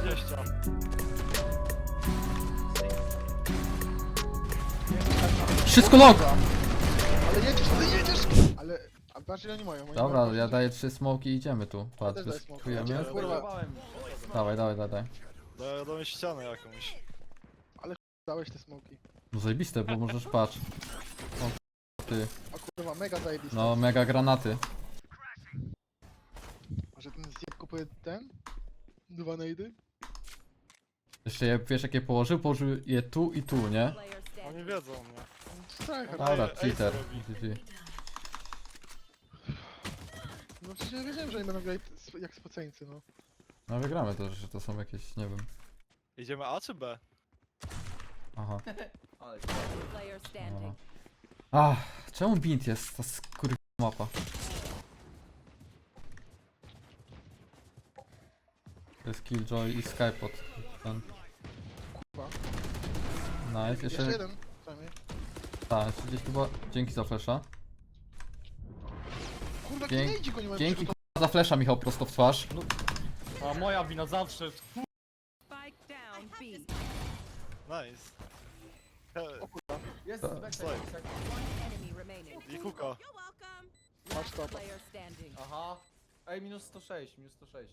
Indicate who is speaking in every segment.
Speaker 1: 120.
Speaker 2: Wszystko log!
Speaker 3: Ale jedziesz! Ale... A patrz ile oni mają. Oni
Speaker 2: Dobra,
Speaker 3: mają
Speaker 2: ja daję 3 smoki i idziemy tu.
Speaker 3: też
Speaker 2: Patrz,
Speaker 3: daję smoka.
Speaker 2: wyskakujemy.
Speaker 3: Kurwa,
Speaker 2: Dawaj.
Speaker 1: Dałem ścianę jakąś.
Speaker 3: dałeś te smoki.
Speaker 2: No zajebiste, bo możesz patrz. O ty.
Speaker 3: A kurwa, mega zajebiste.
Speaker 2: No mega granaty.
Speaker 3: Może ten zjeb kupuje ten? 2 najdy?
Speaker 2: Jeszcze je, wiesz jakie położył? Położył je tu i tu, nie?
Speaker 1: Oni wiedzą mnie.
Speaker 3: Tak,
Speaker 2: Dobra,
Speaker 1: Ej,
Speaker 2: cheater.
Speaker 1: co robi?
Speaker 2: GG.
Speaker 3: no przecież ja wiedziałem, że oni będą grać jak spoceńcy, no.
Speaker 2: No wygramy to, że to są jakieś, nie wiem.
Speaker 1: Idziemy A czy B?
Speaker 2: Aha.
Speaker 4: Player standing.
Speaker 2: Ach, czemu bint jest ta skurwa mapa? To jest Killjoy i Skypod. Ten.
Speaker 3: Kurwa.
Speaker 2: Nice,
Speaker 3: Jeszcze
Speaker 2: jeszcze...
Speaker 3: jeden, przynajmniej.
Speaker 2: Tak, jeszcze gdzieś tu była... Dzięki za flasha.
Speaker 3: Kurwa,
Speaker 2: Dzięki-
Speaker 3: gdzie go nie mają
Speaker 2: Dzięki
Speaker 3: przygotowanego?
Speaker 2: za flasha, Michał, prosto w twarz.
Speaker 5: A moja wina zawsze.
Speaker 4: Spike down B.
Speaker 1: Nice.
Speaker 6: Jest,
Speaker 2: To-
Speaker 1: Stoi.
Speaker 4: Enemy remaining.
Speaker 1: I kuka.
Speaker 4: You're welcome.
Speaker 3: Masz to.
Speaker 4: Player standing.
Speaker 6: Aha. Ej, minus 106, minus 106.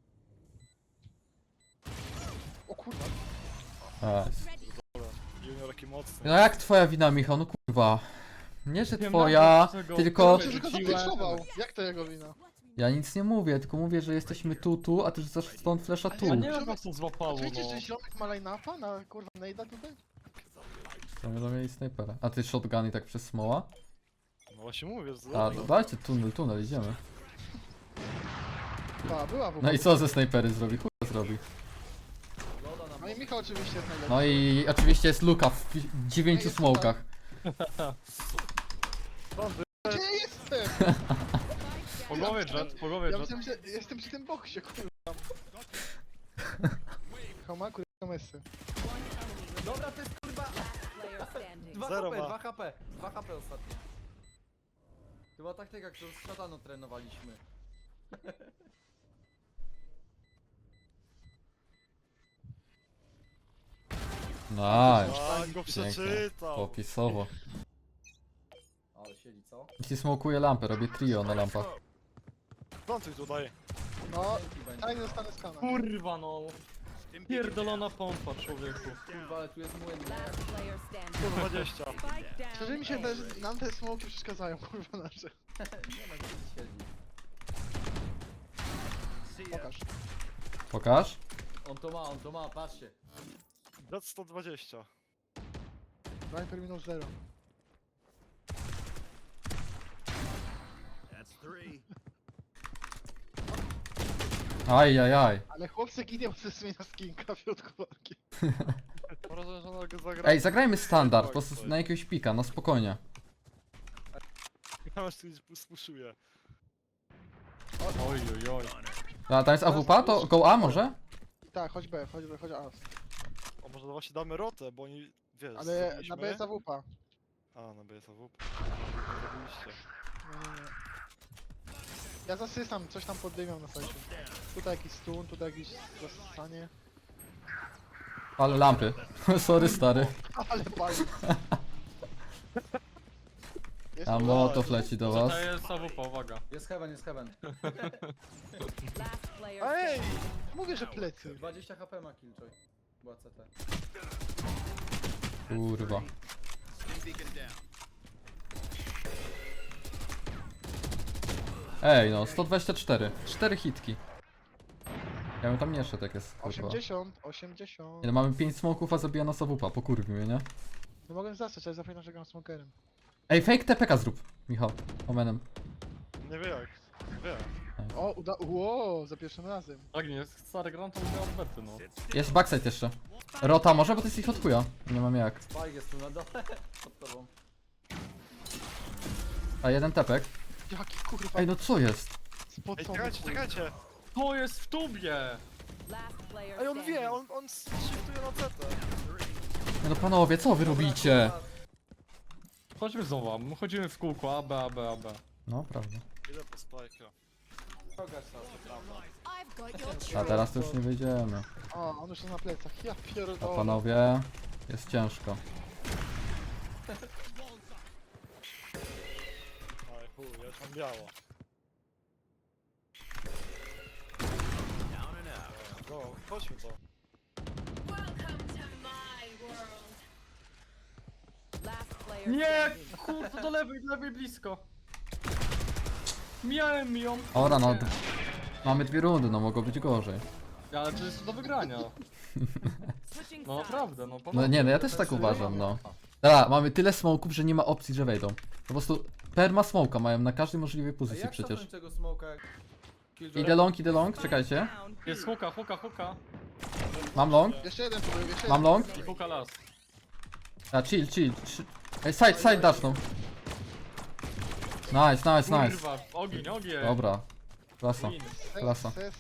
Speaker 3: O kurwa.
Speaker 2: Nice.
Speaker 1: Junior taki mocny.
Speaker 2: No jak twoja wina, Michał? No kurwa. Nie, że
Speaker 5: Wiem
Speaker 2: twoja,
Speaker 5: nawet, czego-
Speaker 2: tylko...
Speaker 3: Przecież go
Speaker 5: Rzuciłem.
Speaker 3: zapikszował. Jak to jego wina?
Speaker 2: Ja nic nie mówię, tylko mówię, że jesteśmy tu, a ty rzucasz stąd flasha tu.
Speaker 5: Ja nie wiem jak to złapało,
Speaker 3: Oczywiście,
Speaker 5: no.
Speaker 3: że ziomek ma line-upa na kurwa nejda tutaj?
Speaker 2: To będą mieli snajpera. A ty shotgun i tak przez smoła?
Speaker 1: No właśnie mówię, że
Speaker 2: A, dajcie tunel, idziemy.
Speaker 3: Ta, była w
Speaker 2: No i co ze snajpery zrobi? Chuj zrobi.
Speaker 6: Loda na
Speaker 3: No i Michał oczywiście jest najlepszy.
Speaker 2: No i oczywiście jest luka w 9
Speaker 3: Jest
Speaker 2: smokach.
Speaker 3: Gdzie ja jestem?
Speaker 5: Po głowie jet, po głowie
Speaker 3: Ja
Speaker 5: jet.
Speaker 3: myślałem, że jestem przy tym boksie, kurwa. Michał ma kurwa mesy.
Speaker 6: Dobra, to jest kurwa.
Speaker 4: Player standing.
Speaker 6: 2
Speaker 1: Zero
Speaker 6: HP,
Speaker 1: ma.
Speaker 6: 2 HP. 2 HP ostatnio. Chyba taktyka, którą z szatanu trenowaliśmy.
Speaker 2: Nice.
Speaker 1: A, go przeczytał.
Speaker 2: Popisowo.
Speaker 6: Ale siedzi, co?
Speaker 2: Jeśli smokuje lampę, robię trio na lampach.
Speaker 1: Plantuj tutaj.
Speaker 3: No,
Speaker 6: Dzięki będzie.
Speaker 3: tajny dostanę skana.
Speaker 5: Kurwa no. Pierdolona pompa, człowieku.
Speaker 6: Kurwa, ale tu jest młyn.
Speaker 4: Last player standing.
Speaker 1: 120.
Speaker 4: Spike down.
Speaker 3: Szczerze mi się
Speaker 4: A.
Speaker 3: wydaje, że nam te smoki przeszkadzają, kurwa nasze.
Speaker 6: Nie ma gdzie siedzi.
Speaker 3: Pokaż.
Speaker 2: Pokaż.
Speaker 6: On to ma, patrzcie.
Speaker 1: Jet 120.
Speaker 3: Viper minus 0.
Speaker 2: Ajajaj.
Speaker 3: Ale chłopcy ginie ze zmienia skinka w środku walki.
Speaker 1: Może, że ona go zagra.
Speaker 2: Ej, zagrajmy standard, po prostu na jakiegoś pika, no spokojnie.
Speaker 1: Ja już spuszuje.
Speaker 5: Oj, oj, oj.
Speaker 2: A tam jest AWP, to go A może?
Speaker 3: Tak, chodź B, chodź A.
Speaker 1: O, może właśnie damy rotę, bo oni, wiesz,
Speaker 3: Ale
Speaker 1: zrobiliśmy-
Speaker 3: na B jest AWP.
Speaker 1: A, na B jest AWP. Zrobiliście.
Speaker 3: Nie. Ja zasysam, coś tam poddymią na sajcie. Tutaj jakiś stun, tutaj jakieś zasanie.
Speaker 2: Ale lampy. Sorry stary.
Speaker 3: Ale pali. Jest
Speaker 2: A motow leci do was.
Speaker 5: To jest AWP, uwaga.
Speaker 6: Jest heaven, jest heaven.
Speaker 4: Last player
Speaker 3: Ej!
Speaker 4: standing.
Speaker 3: Mówię, że plecy.
Speaker 6: 20 HP ma Killjoy. Była CT.
Speaker 2: Kurwa. Ej no, 124. 4 hitki. Ja bym tam nie szedł jak jest, kurwa.
Speaker 3: 80.
Speaker 2: Nie, no mamy 5 smoków, a zabija nas AWP, pokurwi mnie, nie?
Speaker 3: No mogłem zastać, ale zapominam, że gram smokerem.
Speaker 2: Ej, fake TPK zrób, Michał. Omenem.
Speaker 1: Nie wie jak. Wie.
Speaker 3: O, Wow, za pierwszym razem.
Speaker 5: Tak nie jest, stary gram to miał odbety, no.
Speaker 2: Jest backside jeszcze. Rota może, bo to jest ich od chuja. Nie mam jak.
Speaker 6: Spike jest tu na dole. Pod tobą.
Speaker 2: A jeden tepek.
Speaker 3: Jaki kurwa
Speaker 2: Ej, no co jest?
Speaker 1: Ej,
Speaker 3: spocony.
Speaker 1: czekajcie, czekajcie!
Speaker 5: To jest w tubie!
Speaker 4: Last player
Speaker 1: Ej, on
Speaker 4: standing.
Speaker 1: wie, on shiftuje na CT.
Speaker 2: Nie no panowie, co wy robicie?
Speaker 5: Chodźmy znowu, my chodzimy w kółko, A, B, A, B, A, B.
Speaker 2: No, prawda.
Speaker 1: Idę po spajka.
Speaker 6: Kogasz nas, to prawda.
Speaker 2: A teraz to już nie wyjdziemy.
Speaker 3: O, on już jest na plecach. Ja
Speaker 2: A
Speaker 3: pierdolę.
Speaker 2: panowie, jest ciężko.
Speaker 1: Oj chuj, ja już mam biało. Go, chodźmy to.
Speaker 4: Last player
Speaker 5: Nie,
Speaker 4: standing.
Speaker 5: kurde, do lewej blisko. Mijałem ją.
Speaker 2: Ora, no. Mamy 2 rundy, no mogło być gorzej.
Speaker 5: Ale to jest do wygrania.
Speaker 4: Switching
Speaker 5: No
Speaker 4: sides.
Speaker 5: naprawdę, no
Speaker 2: No
Speaker 5: poważnie.
Speaker 2: nie, no ja też tak uważam, no. Dobra, mamy tyle smoków, że nie ma opcji, że wejdą. Po prostu perma smoka mają na każdej możliwej
Speaker 6: A
Speaker 2: pozycji
Speaker 6: jak
Speaker 2: przecież.
Speaker 6: cofnąć tego smoka jak...
Speaker 2: Idę long, czekajcie.
Speaker 4: Down.
Speaker 5: Jest huka.
Speaker 2: Mam long,
Speaker 3: Jeszcze jeden tu był, jeszcze
Speaker 2: mam
Speaker 3: jeden.
Speaker 2: long.
Speaker 5: I huka las.
Speaker 2: A chill. Ej, side dashnął. Nice.
Speaker 5: Kurwa, ogień.
Speaker 2: Dobra. Klasa.
Speaker 5: Win.
Speaker 2: Klasa.
Speaker 3: Ses.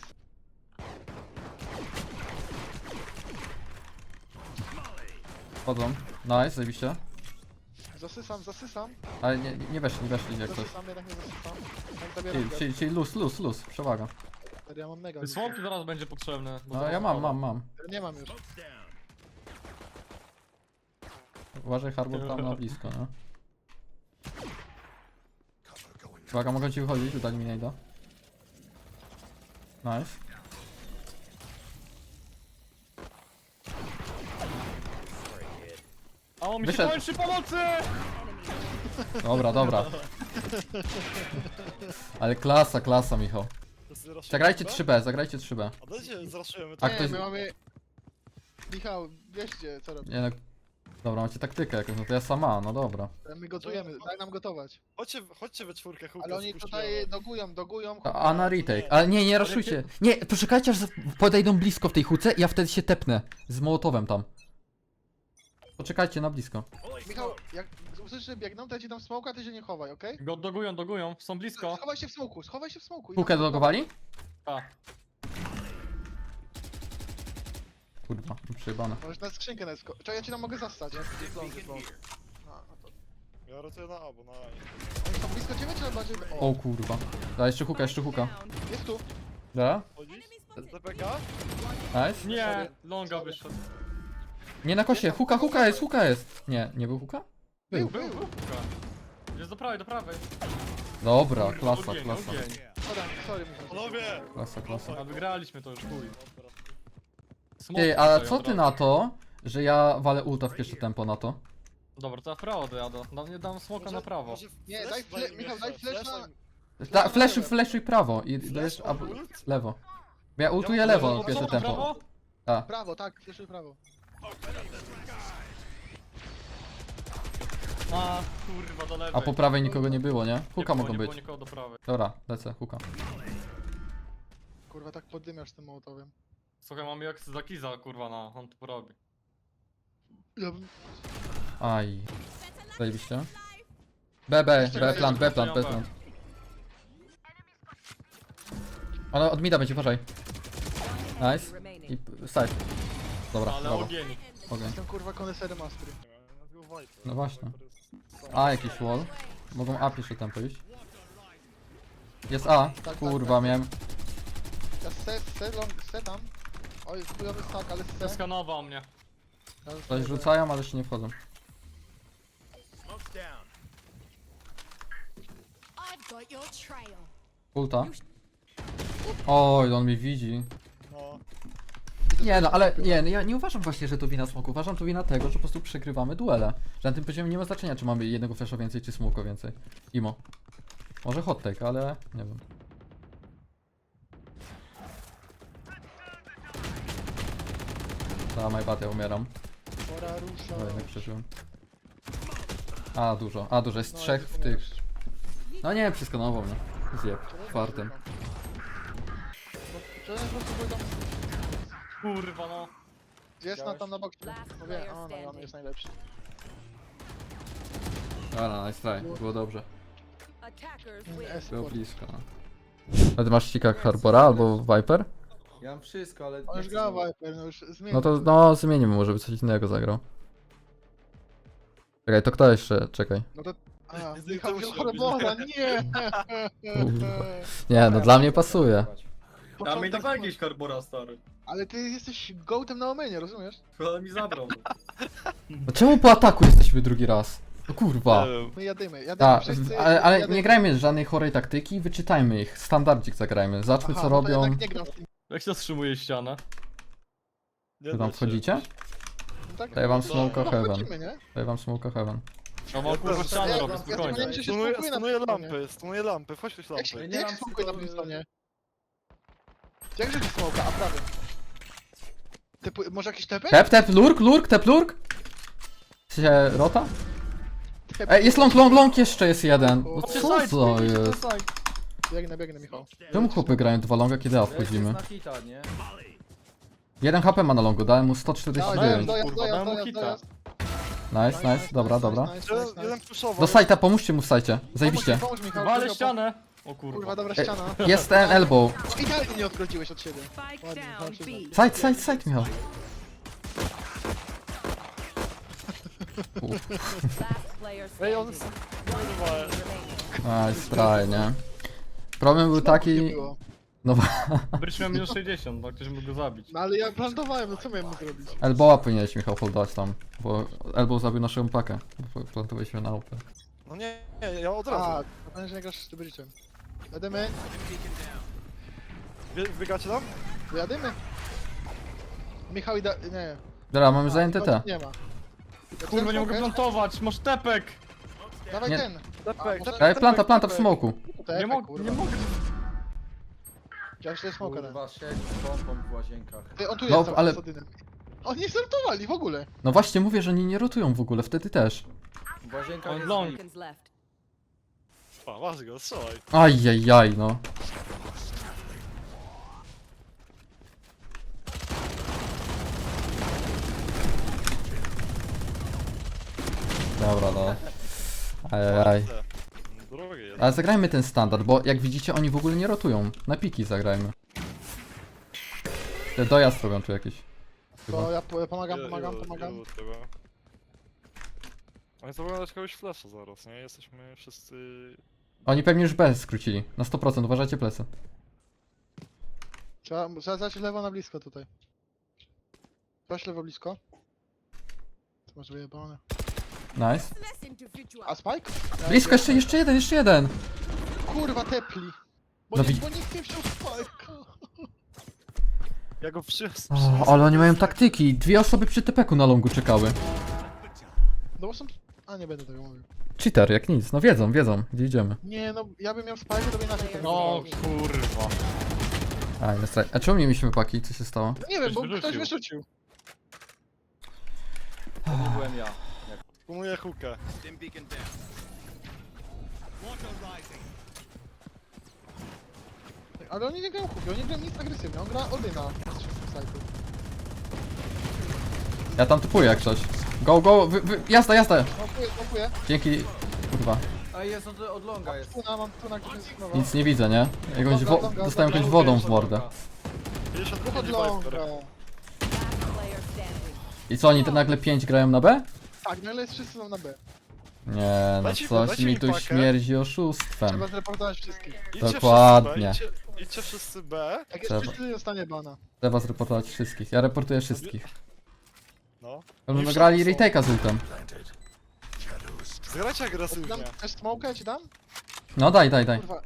Speaker 2: Wchodzą. Nice, zajebiście.
Speaker 3: Zasysam.
Speaker 2: Ale nie weszli jak coś.
Speaker 3: Zasysam, jednak nie zasysam. Jak zabieram
Speaker 2: Chill, luz, przewaga.
Speaker 3: Ja mam mega.
Speaker 5: Smoke zaraz będzie potrzebny. bo
Speaker 2: No
Speaker 5: zaraz
Speaker 2: ja
Speaker 5: spada.
Speaker 2: mam.
Speaker 3: Nie mam już.
Speaker 2: Uważaj Harbor tam na blisko, no. Uwaga, mogą ci wychodzić, dali mi najda. Nice.
Speaker 5: A on mi
Speaker 2: Wyszedł.
Speaker 5: się kończy pomocy!
Speaker 2: Dobra. Ale klasa, Michał.
Speaker 1: Zraszujemy
Speaker 2: Zagrajcie
Speaker 1: B?
Speaker 2: 3B, zagrajcie 3B.
Speaker 1: A dajcie, zraszujemy to.
Speaker 2: A
Speaker 3: Nie,
Speaker 2: ktoś-
Speaker 3: my mamy... Michał, wieście co robić.
Speaker 2: Nie no. Dobra, macie taktykę jakąś, no to ja sama, no dobra.
Speaker 3: My gotujemy, daj nam gotować.
Speaker 1: Chodźcie we czwórkę, hukę
Speaker 3: Ale oni tutaj dogują.
Speaker 2: A na retake. Ale nie raszujcie. Nie, poczekajcie aż podejdą blisko w tej huce i ja wtedy się tepnę. Z Mołotowem tam. Poczekajcie na blisko.
Speaker 3: Michał, jak usłyszysz, że biegną, to ja ci dam smoka, a ty się nie chowaj, okej?
Speaker 5: Go dogują, są blisko.
Speaker 3: Schowaj się w smoku.
Speaker 2: Hukę dodogowali?
Speaker 5: A,
Speaker 2: Kurwa, przejebane.
Speaker 3: Możesz na skrzynkę na sko... Czekaj, ja ci tam mogę zastać.
Speaker 6: Jest long.
Speaker 3: No to...
Speaker 1: Ja rotuję na A, bo na A.
Speaker 3: Oni są blisko ciebie, czy bardziej...
Speaker 2: O kurwa. Da, jeszcze huka.
Speaker 4: Down.
Speaker 3: Jest tu.
Speaker 2: Da?
Speaker 1: Chodzisz? TPK?
Speaker 2: Nice.
Speaker 5: nie, longa wyszedł.
Speaker 2: Nie na kosie, huka jest. Nie był huka? Był.
Speaker 5: Był huka. Jest do prawej.
Speaker 2: Dobra, klasa.
Speaker 5: Ogień.
Speaker 3: Podam, sorry Michał.
Speaker 1: Panowie!
Speaker 2: Klasa.
Speaker 5: A wygraliśmy to już, chuj.
Speaker 1: Dobra.
Speaker 5: Smoke
Speaker 2: Ty, a
Speaker 5: tutaj
Speaker 2: co
Speaker 5: od
Speaker 2: ty
Speaker 5: razu.
Speaker 2: na to, że ja walę ulta w pierwsze tempo na to?
Speaker 5: Dobra, to ja w prawo dojadę. Nie dam smoka na prawo.
Speaker 3: Nie,
Speaker 1: flash
Speaker 3: Michał, daj flash na...
Speaker 2: Flashuj prawo i dajesz lewo. Ja ultuję lewo pierwsze
Speaker 5: Prawo?
Speaker 2: tempo. A,
Speaker 3: Prawo, tak, flashuj prawo.
Speaker 5: A, kurwa, do lewej.
Speaker 2: a po prawej nikogo nie było, nie? Huka mogą
Speaker 5: nie
Speaker 2: być.
Speaker 5: było nikogo do prawej.
Speaker 2: Dobra, lecę, huka.
Speaker 3: Kurwa, tak poddymiasz tym mołotowym.
Speaker 5: Słuchaj, mamy jak za Kiza, kurwa, on tu porobi.
Speaker 3: Ja bym...
Speaker 2: Aj. Zajebiście. B plant. Ona od mida będzie, uważaj. Nice.
Speaker 4: Remaining.
Speaker 2: I side. Dobra,
Speaker 5: Ale
Speaker 2: brawo.
Speaker 5: ogień.
Speaker 2: Ogień.
Speaker 3: Jestem kurwa koneserem Astry.
Speaker 2: No właśnie. A, jakiś wall. Mogą A pierwsze tempo iść. Jest A. Kurwa, miałem.
Speaker 3: Ja se tam. Oj, chujowy stack, ale se.
Speaker 5: Skanował mnie.
Speaker 2: Coś rzucają, ale jeszcze nie wchodzą.
Speaker 7: I've got your trail.
Speaker 2: Ulta. Oj, on mi widzi.
Speaker 1: No.
Speaker 2: Nie no, ale nie, no ja nie uważam właśnie, że to wina smoku. Uważam to wina tego, że po prostu przegrywamy duele. Że na tym poziomie nie ma znaczenia, czy mamy jednego flasha więcej, czy smoka więcej. Imo. Może hot take, ale nie wiem. My bad, ja umieram.
Speaker 3: Pora rusza.
Speaker 2: No jednak przeżyłem. A, dużo, jest
Speaker 3: No,
Speaker 2: trzech
Speaker 3: ja
Speaker 2: w tych. No nie, przeskanował mnie. Zjeb, czwartym.
Speaker 3: Czy po prostu był tam...
Speaker 5: Kurwa, no.
Speaker 3: Jest na tam na boksie.
Speaker 4: Last
Speaker 3: Mówię,
Speaker 4: player
Speaker 3: o, no, on
Speaker 4: standing.
Speaker 3: jest najlepszy.
Speaker 2: Dobra, nice try, było dobrze.
Speaker 4: Attackers win.
Speaker 2: Było blisko. No. A ty masz ścikak Harbora albo Viper?
Speaker 6: Ja mam wszystko, ale...
Speaker 3: On
Speaker 6: nie
Speaker 3: już
Speaker 6: chcę
Speaker 3: gra
Speaker 6: znowu.
Speaker 3: Viper, no już zmienił.
Speaker 2: No to no zmienimy, może by coś innego zagrał. Czekaj, to kto jeszcze? Czekaj.
Speaker 3: No to... A,
Speaker 1: Z
Speaker 3: Michał
Speaker 1: tym
Speaker 3: wziął
Speaker 1: musi robić.
Speaker 3: Harbora, nie!
Speaker 2: Nie, no dla mnie pasuje.
Speaker 5: A mi
Speaker 3: początek...
Speaker 5: dawaj jakieś Harbora, stary.
Speaker 3: Ale ty jesteś gołtem na omenie, rozumiesz?
Speaker 5: Ale mi zabrał.
Speaker 2: No czemu po ataku jesteśmy drugi raz? No kurwa.
Speaker 1: Nie wiem.
Speaker 3: My jadymy
Speaker 2: Tak,
Speaker 3: wszyscy,
Speaker 2: ale
Speaker 3: jadymy.
Speaker 2: nie grajmy żadnej chorej taktyki, wyczytajmy ich. Standardzik zagrajmy. Zobaczmy
Speaker 3: Aha,
Speaker 2: co
Speaker 3: no to
Speaker 2: robią.
Speaker 3: jednak nie gram z tym,
Speaker 5: Jak się wstrzymuje ściana?
Speaker 1: Nie
Speaker 2: Wy
Speaker 1: da
Speaker 2: tam
Speaker 1: się.
Speaker 2: wchodzicie?
Speaker 3: tak?
Speaker 2: Daję wam
Speaker 3: No,
Speaker 2: smoke'a
Speaker 3: no,
Speaker 2: heaven.
Speaker 3: wchodzimy, nie?
Speaker 2: Daję wam smoke'a heaven.
Speaker 5: No mam kurwa
Speaker 1: Ja
Speaker 5: ścianę
Speaker 3: ja-
Speaker 5: robię,
Speaker 3: ja-
Speaker 5: spokojnie.
Speaker 3: ja-
Speaker 1: Stunuję,
Speaker 3: Spokój na
Speaker 1: stunuję
Speaker 3: stronie.
Speaker 1: lampy, stunuję lampy, wchodź tu
Speaker 3: Jak
Speaker 1: lampy.
Speaker 3: się,
Speaker 5: Nie
Speaker 3: jak
Speaker 5: mam
Speaker 3: się smokuje
Speaker 5: tylko,
Speaker 3: na tym stronie? Jak rzucić smoka, a prawie. Może jakiś tepek?
Speaker 2: Tep, lurk, tep, lurk. Się rota? Ej, jest long, jeszcze jest jeden. No co to jest?
Speaker 3: Biegnę, Michał.
Speaker 2: Czemu chłopy grają dwa longa, kiedy A
Speaker 6: Jest
Speaker 2: wchodzimy?
Speaker 6: na hita, nie?
Speaker 2: 1 HP ma na longu, dałem mu
Speaker 3: Dawaj,
Speaker 2: 149.
Speaker 5: Kurwa, dałem mu hita.
Speaker 2: Nice, dobra.
Speaker 1: Jeden puszował.
Speaker 2: Do sajta, pomóżcie mu w sajcie. Zajebiście.
Speaker 3: Pomóż, Michał.
Speaker 5: Wale
Speaker 3: Michał,
Speaker 5: ścianę! O
Speaker 3: Kurwa,
Speaker 5: kurwa.
Speaker 3: dobra
Speaker 2: Ej,
Speaker 3: ściana.
Speaker 2: Jest ten elbow.
Speaker 3: Idealnie nie odgrodziłeś od siebie.
Speaker 4: Spike
Speaker 3: Ładnie,
Speaker 4: down
Speaker 3: zobaczymy.
Speaker 4: B.
Speaker 2: Side, Michał.
Speaker 4: Last player
Speaker 1: Ej, on
Speaker 4: standing.
Speaker 1: jest...
Speaker 4: One enemy remaining.
Speaker 2: Nice try, nie? Problem był
Speaker 3: Nie
Speaker 2: taki...
Speaker 3: było.
Speaker 2: No
Speaker 5: Bryś miał minus 60, no ktoś mógł go zabić.
Speaker 3: No ale ja plantowałem, no co miałem mu zrobić?
Speaker 2: elbowa powinieneś Michał holdować tam. Bo elbow zabił naszą pakę. Plantowaliśmy na upę.
Speaker 1: No nie, ja od
Speaker 3: A,
Speaker 1: razu.
Speaker 3: to będzie, że nie grasz z Tybryciem. Jadymy,
Speaker 1: Wbiegacie tam?
Speaker 3: jadymy. Michał i nie.
Speaker 2: Dobra, mamy zajęte te.
Speaker 3: Nie ma.
Speaker 5: Kurwa, nie mogę plantować, masz tepek!
Speaker 3: Dawaj
Speaker 2: Nie.
Speaker 3: ten.
Speaker 1: Tepek,
Speaker 3: może-
Speaker 2: Daj planta w smoku.
Speaker 3: Tutaj,
Speaker 5: Nie mogę,
Speaker 3: kurwa.
Speaker 5: nie mogę.
Speaker 3: Ja już to jest smoka, ten.
Speaker 6: Kurwa, siedzi z pompą w łazienkach.
Speaker 3: Ty, on tu
Speaker 2: No,
Speaker 3: jest,
Speaker 2: ale-
Speaker 3: ale... z Odynem. Oni startowali w ogóle.
Speaker 2: No właśnie mówię, że oni nie rotują w ogóle, wtedy też.
Speaker 6: W łazienkach
Speaker 5: On
Speaker 6: jest
Speaker 5: long.
Speaker 6: hit.
Speaker 4: Seconds left.
Speaker 1: A, masz go, strzelaj.
Speaker 2: Ajajaj, no. Dobra, no. Ajajaj.
Speaker 1: Drogie jest.
Speaker 2: Ale zagrajmy ten standard, bo jak widzicie oni w ogóle nie rotują. Na piki zagrajmy. Te dojazd robią tu jakiś. Chyba.
Speaker 3: To ja pomagam.
Speaker 1: Chyba. Oni to będą kogoś flasha zaraz, nie? Jesteśmy wszyscy...
Speaker 2: Oni pewnie już B skrócili. Na 100%, uważajcie plecy.
Speaker 3: Trzeba zacząć lewo na blisko tutaj. Weź lewo blisko. To może wyjebane.
Speaker 2: Nice.
Speaker 7: Less individual.
Speaker 3: A Spike?
Speaker 2: Blisko, jeszcze jeden.
Speaker 3: Kurwa, tepli. Bo,
Speaker 2: No
Speaker 3: nie,
Speaker 2: wi-
Speaker 3: bo nikt nie wziął Spike'a.
Speaker 1: Ja go przyniosę.
Speaker 2: O, ale oni mają taktyki. 2 osoby przy tepeku na longu czekały.
Speaker 3: No bo są... A, nie będę tego mówił.
Speaker 2: Cheater, jak nic. No wiedzą, gdzie idziemy.
Speaker 3: Nie, no ja bym miał Spike'a, to by inaczej tego
Speaker 5: No
Speaker 3: zrobił.
Speaker 5: kurwa.
Speaker 2: Aj, no straj. A czemu nie mieliśmy paki? Co się stało?
Speaker 3: Nie wiem, bo
Speaker 5: Ktoś
Speaker 3: ktoś
Speaker 5: wyrzucił.
Speaker 3: wyrzucił.
Speaker 6: To nie byłem ja.
Speaker 1: Pumuję hukę.
Speaker 3: Ale oni nie grają kupi, oni grają nic agresywnie, on gra Odyna z wszystkich sajtów.
Speaker 2: Ja tam typuję jak coś. Go, jazda.
Speaker 3: Smokuję.
Speaker 2: Dzięki. Kurwa.
Speaker 6: A jest od longa jest.
Speaker 3: Mam tuna, gdzie jest nowa.
Speaker 2: Nic nie widzę, nie? Dostałem jakąś wodą w mordę.
Speaker 1: 50
Speaker 3: Dwóch od
Speaker 1: mini
Speaker 3: longa.
Speaker 1: Viper.
Speaker 4: Last player standing.
Speaker 2: I co, oni te nagle 5 grają na B?
Speaker 3: Tak, nagle wszyscy są na B.
Speaker 2: Nie, no
Speaker 1: Dajcie-
Speaker 2: coś
Speaker 1: dajcie
Speaker 2: mi
Speaker 1: mi
Speaker 2: tu
Speaker 1: pakę.
Speaker 2: śmierdzi oszustwem.
Speaker 3: Trzeba zreportować wszystkich.
Speaker 1: Idźcie
Speaker 2: Dokładnie.
Speaker 1: wszyscy B, idźcie wszyscy B.
Speaker 3: Jak jest
Speaker 2: Trzeba.
Speaker 3: wszyscy, dostanie bana.
Speaker 2: Trzeba zreportować wszystkich. Ja reportuję wszystkich.
Speaker 1: No.
Speaker 2: Będą
Speaker 1: I
Speaker 2: nagrali
Speaker 1: wszyscy są.
Speaker 2: retake'a z ultem.
Speaker 1: Zagrajcie agresywnie.
Speaker 3: Dam też smoka, ja ci dam?
Speaker 2: No daj.
Speaker 3: Kurwa.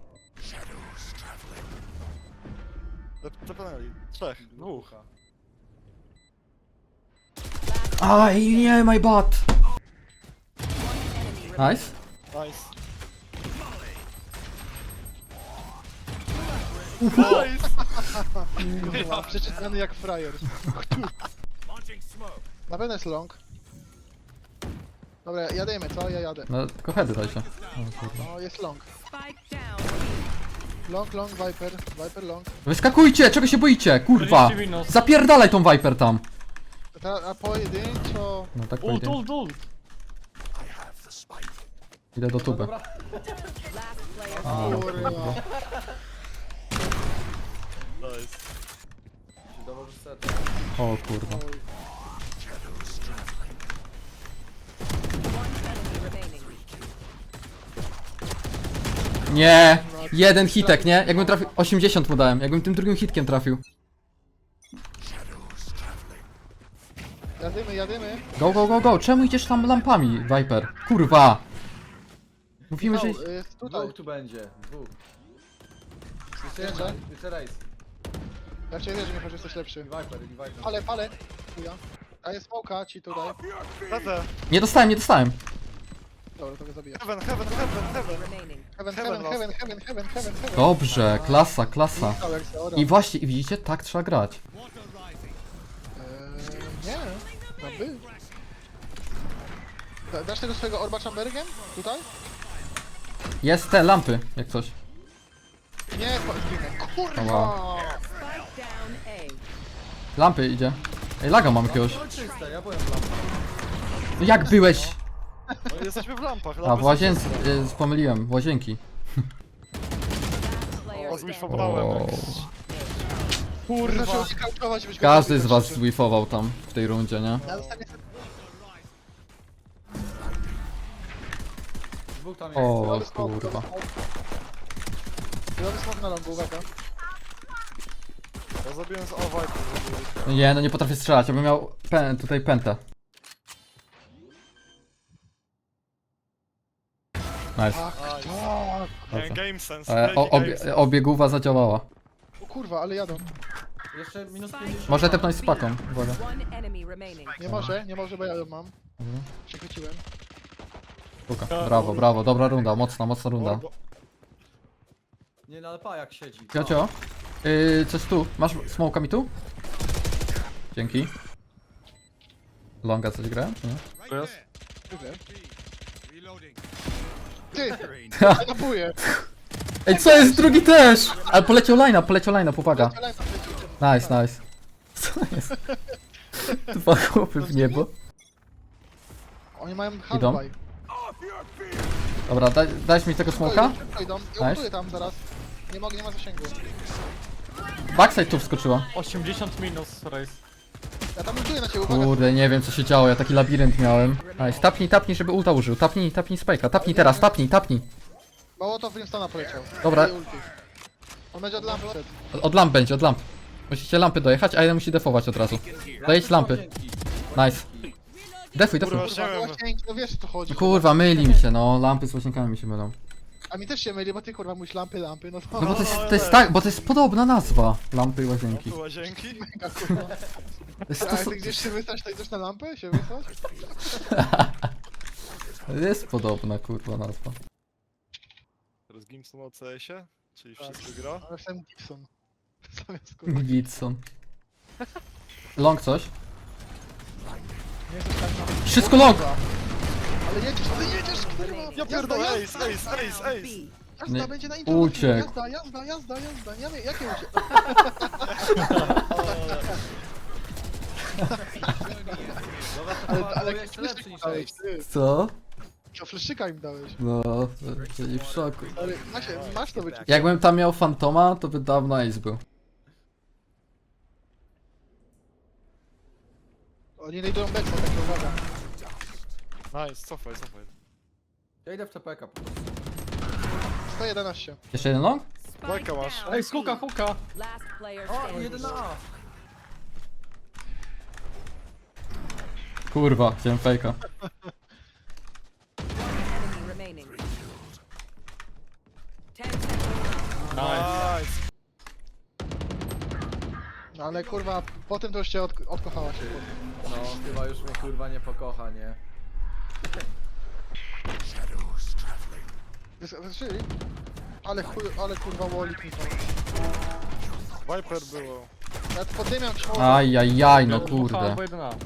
Speaker 1: Tepnęli. 3, 2.
Speaker 2: Aj, nie, my bad. Nice.
Speaker 1: Nice. Nice!
Speaker 3: Kurwa, przeczytany jak frajer. Na pewno jest long. Dobra, jademy, co? Ja jadę.
Speaker 2: No tylko heady dajcie. O, kurwa.
Speaker 3: No, jest long.
Speaker 4: Spike down.
Speaker 3: Long, Viper long.
Speaker 2: Wyskakujcie, czego się boicie? Kurwa.
Speaker 5: 40 minus.
Speaker 2: Zapierdalaj tą Viper tam.
Speaker 3: A pojedynczo...
Speaker 2: No tak
Speaker 5: Ult,
Speaker 2: powiedziałem.
Speaker 5: ult.
Speaker 2: Idę do tuby.
Speaker 4: Last player
Speaker 2: A,
Speaker 3: Kurwa.
Speaker 1: Nice.
Speaker 6: Dołożysz set.
Speaker 2: o kurwa.
Speaker 4: enemy remaining.
Speaker 2: Nie, Jeden hitek, nie? Jakbym trafił... 80 mu dałem, jakbym tym drugim hitkiem trafił.
Speaker 3: Jadymy.
Speaker 2: Go, go, go, go. Czemu idziesz tam lampami, Viper? Kurwa. Mówimy, że...
Speaker 3: Michał, jest tutaj.
Speaker 6: Dwóch tu będzie, dwóch. Jeszcze
Speaker 3: Jeszcze?
Speaker 6: jeden, jeszcze race.
Speaker 3: Ja cię wierzę, Michał, że jesteś lepszy.
Speaker 6: I Viper, i Viper.
Speaker 3: Palę. Chuja. A jest smoka ci tutaj.
Speaker 1: Lecę.
Speaker 2: Nie dostałem, nie dostałem.
Speaker 3: Dobra, to go zabiję.
Speaker 1: Heaven.
Speaker 4: Remaining.
Speaker 3: Heaven.
Speaker 2: Dobrze, klasa, klasa.
Speaker 3: Michał, jak się orał.
Speaker 2: I właśnie, i widzicie, tak trzeba grać.
Speaker 3: Nie, no by. Dasz tego swojego orba chambergiem? Tutaj?
Speaker 2: Jest te lampy, jak coś.
Speaker 3: Nie, zginę. Kurwa!
Speaker 4: Spike down A.
Speaker 2: Lampy idzie. Ej, laga mam jakiegoś.
Speaker 6: No czyste, ja byłem w lampach.
Speaker 2: No jak byłeś?
Speaker 1: No, jesteśmy w lampach.
Speaker 2: A,
Speaker 1: lampy
Speaker 2: w
Speaker 1: są
Speaker 2: łazience,
Speaker 1: czyste.
Speaker 2: pomyliłem, w łazienki.
Speaker 4: Player
Speaker 1: O,
Speaker 4: standing.
Speaker 1: zwiszowałem.
Speaker 2: O,
Speaker 3: Kurwa! Kauczować, byś go
Speaker 2: każdy
Speaker 3: zabił,
Speaker 2: z was
Speaker 3: tak
Speaker 2: zwifował tam, w tej rundzie, nie?
Speaker 3: Ja zostawię sobie
Speaker 6: Dwóch tam jest.
Speaker 2: O, kurwa.
Speaker 3: Zrobię smok na longu, uwaga.
Speaker 1: Ja zabiłem z Viper.
Speaker 2: Nie, no nie potrafię strzelać, ja bym miał tutaj pętę. Nice.
Speaker 3: Ach, tak.
Speaker 1: Nie, game sense.
Speaker 2: Obiegówa zadziałała.
Speaker 3: O kurwa, ale jadą.
Speaker 6: Jeszcze minus 50.
Speaker 2: Może tepnąć z paką, uwaga.
Speaker 4: One enemy remaining.
Speaker 3: Nie może, bo ja ją mam. Przechwyciłem.
Speaker 2: Puka. Brawo, brawo, dobra runda, mocna runda.
Speaker 6: Nie, no ale pa jak siedzi.
Speaker 2: Ciocio, coś tu, masz smoka mi tu? Dzięki. Longa coś grałem, czy nie?
Speaker 1: To jest?
Speaker 3: Ty! Ja napuję!
Speaker 2: Ej, co jest? Drugi też! Ale poleciał line, uwaga. Nice. Co jest? Dwa chłopy w niebo.
Speaker 3: Oni mają
Speaker 2: Idą?
Speaker 3: handbaj.
Speaker 2: Dobra, dajesz mi tego smoka?
Speaker 3: Idą. Ja
Speaker 2: Nice.
Speaker 3: ultuję tam zaraz. Nie ma zasięgu.
Speaker 2: Backside tu wskoczyła.
Speaker 5: 80 minus, race.
Speaker 3: Ja tam ultuję na ciebie, uwaga.
Speaker 2: Kurde, nie wiem co się działo, ja taki labirynt miałem. Nice, tapnij, żeby ulta użył. Tapnij spike'a, tapnij teraz, tapnij.
Speaker 3: Mało to Brimstona poleciał.
Speaker 2: Dobra.
Speaker 3: I ulti. On będzie od lampy szedł.
Speaker 2: Od lamp będzie, od lamp. Musicie lampy dojechać, a jeden musi defować od razu. Dojedź lampy. Nice. Defuj.
Speaker 1: Kurwa,
Speaker 3: Kurwa,
Speaker 1: chciałem.
Speaker 3: właśnie, no wiesz o co chodzi.
Speaker 2: Kurwa, myli mi się, no. Lampy z łazienkami mi się mylą.
Speaker 3: A mi też się myli, bo ty kurwa mówisz lampy, no to...
Speaker 2: No bo to jest tak, bo to jest podobna nazwa. Lampy i łazienki.
Speaker 1: Tu łazienki.
Speaker 3: Mega, kurwa.
Speaker 2: To jest,
Speaker 3: A
Speaker 2: to,
Speaker 3: jak ty gdzieś się wystać, to idziesz na lampę? Się wystać?
Speaker 2: to jest podobna kurwa nazwa.
Speaker 1: Teraz Gimson o CS-ie, czyli wszystko gra.
Speaker 3: Ale jestem Gibson. Zamiast kurwa.
Speaker 2: Gitson. Long coś?
Speaker 3: Nie jesteś tak na...
Speaker 2: Wszystko long!
Speaker 3: Ale jedziesz, kurwa!
Speaker 1: Ja pierdolę, ace.
Speaker 3: Jazda
Speaker 2: Nie,
Speaker 3: będzie na intro.
Speaker 2: uciekł.
Speaker 3: Jazda. Nie wiem, jakie uciek? Ale
Speaker 6: jeszcze lepszy niż
Speaker 3: dałeś,
Speaker 6: race.
Speaker 3: ty.
Speaker 2: Co?
Speaker 3: To fleszyka im dałeś.
Speaker 2: No, byli w szoku.
Speaker 3: Ale masz to być.
Speaker 2: Jakbym tam miał fantoma, to by dawno ace był.
Speaker 3: Oni znajdują Bexa, tak uwaga.
Speaker 1: Nice, cofaj.
Speaker 6: Ja idę w TPK po prostu.
Speaker 3: 111.
Speaker 2: Jeszcze jeden long?
Speaker 1: Bajka masz.
Speaker 5: Ej, huka.
Speaker 4: Last player
Speaker 6: O,
Speaker 4: standing.
Speaker 6: 1 na A.
Speaker 2: Kurwa, chciałem fejka.
Speaker 4: Enemy remaining. 10 seconds.
Speaker 1: Nice.
Speaker 3: No ale kurwa, potem to już cię odkochała się.
Speaker 6: No, chyba już mnie kurwa nie pokocha, nie?
Speaker 3: Wyszyli? Ale kurwa Wallik mi to.
Speaker 1: Viper było.
Speaker 3: Ja poddymiam ci
Speaker 2: Ajajaj, no
Speaker 5: Dwóch
Speaker 2: kurde.
Speaker 5: albo 1 A.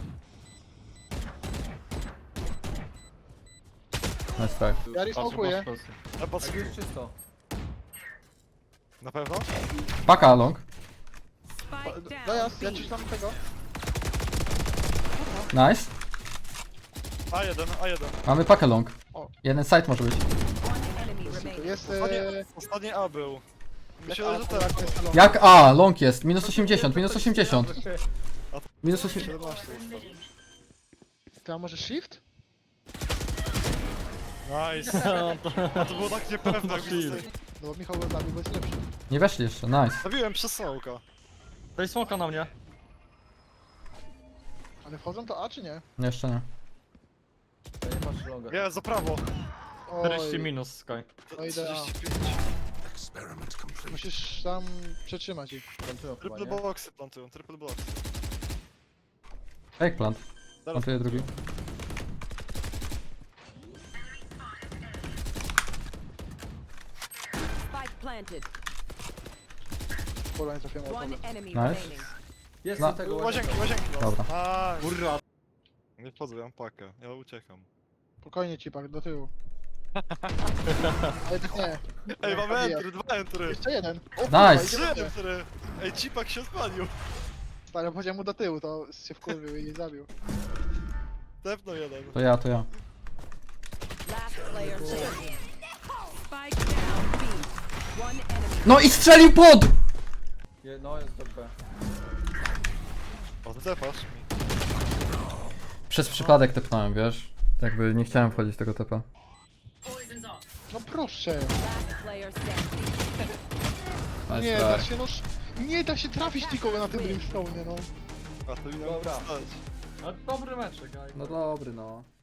Speaker 2: Nice try.
Speaker 3: Ja resmokuję.
Speaker 1: Ja patrz,
Speaker 6: Tak jest czysto.
Speaker 1: na pewno?
Speaker 2: Paka long.
Speaker 4: Spike down.
Speaker 3: Dojazd, ja ci tam tego.
Speaker 2: Nice.
Speaker 1: A1.
Speaker 2: Mamy pakę long.
Speaker 3: O.
Speaker 2: Jeden side może być.
Speaker 4: One enemy remaining.
Speaker 3: Jest...
Speaker 1: Ostatni A był. Myślę, że
Speaker 3: tak,
Speaker 1: tak.
Speaker 3: jest long.
Speaker 2: Jak A? Long jest. Minus 80. Minus 80. Minus 80.
Speaker 1: 17 ustawił.
Speaker 3: Ty, a może shift?
Speaker 1: Nice. A to było tak niepewne, jak
Speaker 3: No bo Michał go zabił, bo jest lepszy.
Speaker 2: Nie weszli jeszcze, nice.
Speaker 1: Zabiłem przez smoka.
Speaker 5: Daj smoka na mnie.
Speaker 3: Ale wchodzą to A czy nie?
Speaker 2: Nie, jeszcze nie.
Speaker 6: Ja nie patrzę longa.
Speaker 1: Nie, za prawo.
Speaker 5: 40 minus Sky.
Speaker 3: No idę A.
Speaker 1: 45.
Speaker 3: Musisz tam przetrzymać ich.
Speaker 6: Plantują chyba,
Speaker 1: Triple
Speaker 6: nie?
Speaker 1: boxy plantują, triple boxy.
Speaker 2: Eggplant.
Speaker 1: Teraz
Speaker 2: Plantuję drugi.
Speaker 4: Spike planted.
Speaker 3: Kurwa, nie trafiłem
Speaker 4: One
Speaker 3: o
Speaker 4: enemy
Speaker 2: Nice.
Speaker 4: remaining.
Speaker 6: Jest
Speaker 2: No.
Speaker 6: do tego
Speaker 1: Łazienki, łazienki. no.
Speaker 2: Dobra.
Speaker 1: Nice.
Speaker 5: Kurwa.
Speaker 1: Nie wchodzę, ja mam pakę. Ja uciekam.
Speaker 3: Spokojnie cipak, do tyłu. Ale tak nie.
Speaker 1: Ej, mamy
Speaker 3: Zabijam.
Speaker 1: entry, 2 entry.
Speaker 3: Jeszcze jeden. O,
Speaker 2: Nice.
Speaker 3: Idzie
Speaker 1: 3
Speaker 3: w górę.
Speaker 1: entry. Ej, cipak się spalił.
Speaker 3: Stary, powiedział mu do tyłu, to się wkurwił i zabił.
Speaker 1: Tepnął jeden.
Speaker 2: To ja.
Speaker 4: Last player standing. Spike down B. One enemy.
Speaker 2: No i strzelił pod!
Speaker 6: No jest do B.
Speaker 1: O, tepasz mi.
Speaker 2: Przez przypadek tepnąłem, wiesz? Jakby nie chciałem wchodzić w tego tepa.
Speaker 3: No proszę.
Speaker 4: Last player standing.
Speaker 2: Nice
Speaker 3: Nie
Speaker 2: try.
Speaker 3: da się, no nie da się trafić nikogo na tym brimstone, no.
Speaker 1: A to mi
Speaker 6: Dobra.
Speaker 1: stać.
Speaker 5: Ale dobry meczek, aj.
Speaker 2: No dobry no.